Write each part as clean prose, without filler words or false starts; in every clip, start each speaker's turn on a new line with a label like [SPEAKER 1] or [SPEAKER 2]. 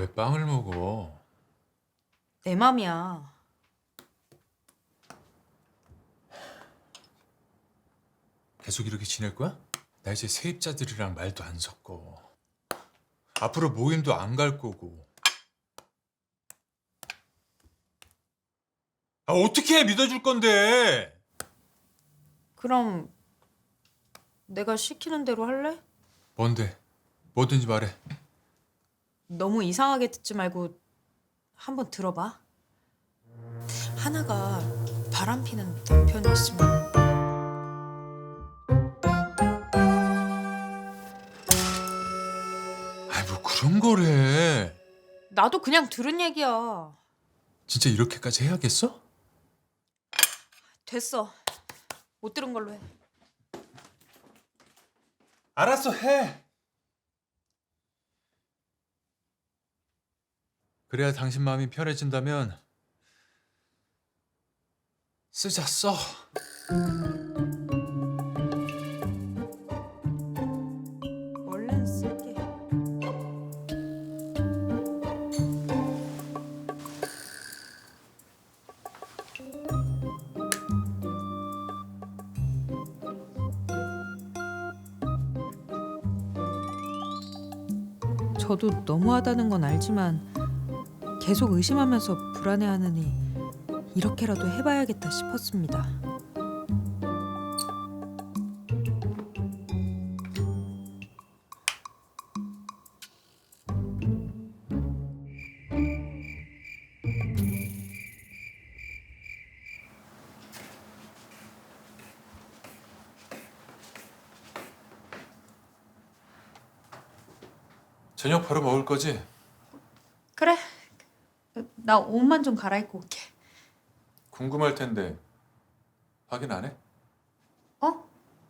[SPEAKER 1] 왜 빵을 먹어?
[SPEAKER 2] 내 맘이야.
[SPEAKER 1] 계속 이렇게 지낼 거야? 나 이제 세입자들이랑 말도 안 섞어. 앞으로 모임도 안 갈 거고. 아, 어떻게 믿어줄 건데?
[SPEAKER 2] 그럼 내가 시키는 대로 할래?
[SPEAKER 1] 뭔데? 뭐든지 말해.
[SPEAKER 2] 너무 이상하게 듣지 말고 한번 들어봐. 하나가 바람피는 남편이 있으면
[SPEAKER 1] 아이, 뭐 그런 거래.
[SPEAKER 2] 나도 그냥 들은 얘기야.
[SPEAKER 1] 진짜 이렇게까지 해야겠어?
[SPEAKER 2] 됐어. 못 들은 걸로 해.
[SPEAKER 1] 알았어, 해. 그래야 당신 마음이 편해진다면 쓰자, 써.
[SPEAKER 2] 얼른 쓸게. 저도 너무하다는 건 알지만 계속 의심하면서 불안해하느니 이렇게라도 해봐야겠다 싶었습니다.
[SPEAKER 1] 저녁 바로 먹을 거지?
[SPEAKER 2] 그래. 나 옷만 좀 갈아입고 올게.
[SPEAKER 1] 궁금할 텐데 확인 안 해?
[SPEAKER 2] 어?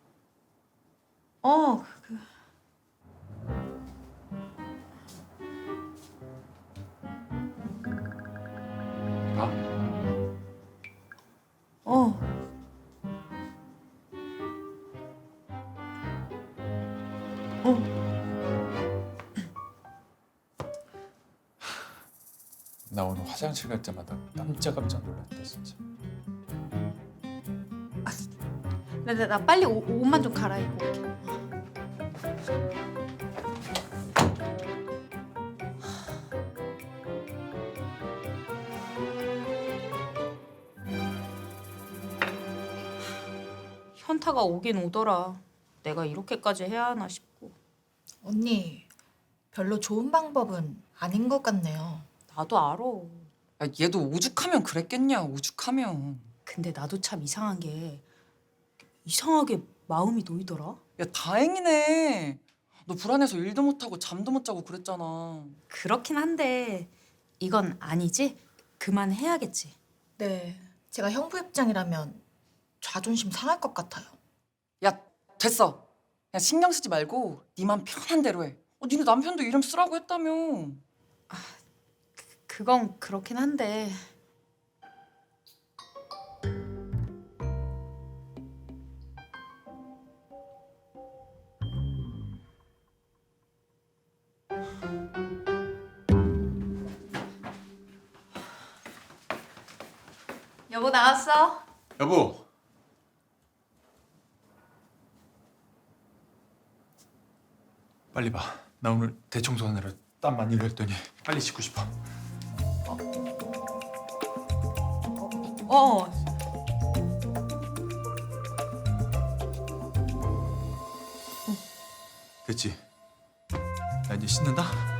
[SPEAKER 2] 어,
[SPEAKER 1] 봐.
[SPEAKER 2] 어. 어.
[SPEAKER 1] 나 오늘 화장실 갈 때마다 깜짝깜짝 놀랐다 진짜.
[SPEAKER 2] 나 빨리 옷만 좀 갈아입고 올게. 현타가 오긴 오더라. 내가 이렇게까지 해야 하나 싶고.
[SPEAKER 3] 언니, 별로 좋은 방법은 아닌 것 같네요.
[SPEAKER 2] 나도 알아.
[SPEAKER 4] 야, 얘도 오죽하면 그랬겠냐, 오죽하면.
[SPEAKER 2] 근데 나도 참 이상한 게 이상하게 마음이 놓이더라.
[SPEAKER 4] 야, 다행이네. 너 불안해서 일도 못하고 잠도 못 자고 그랬잖아.
[SPEAKER 2] 그렇긴 한데 이건 아니지? 그만해야겠지.
[SPEAKER 3] 네, 제가 형부 입장이라면 자존심 상할 것 같아요.
[SPEAKER 4] 야, 됐어. 야, 신경 쓰지 말고 네 맘 편한 대로 해. 니네 남편도 이름 쓰라고 했다며.
[SPEAKER 2] 그건 그렇긴 한데 여보 나왔어?
[SPEAKER 1] 여보. 빨리 봐. 나 오늘 대청소하느라 땀 많이 흘렸더니 빨리 씻고 싶어.
[SPEAKER 2] 어.
[SPEAKER 1] 됐지? 나 이제 씻는다.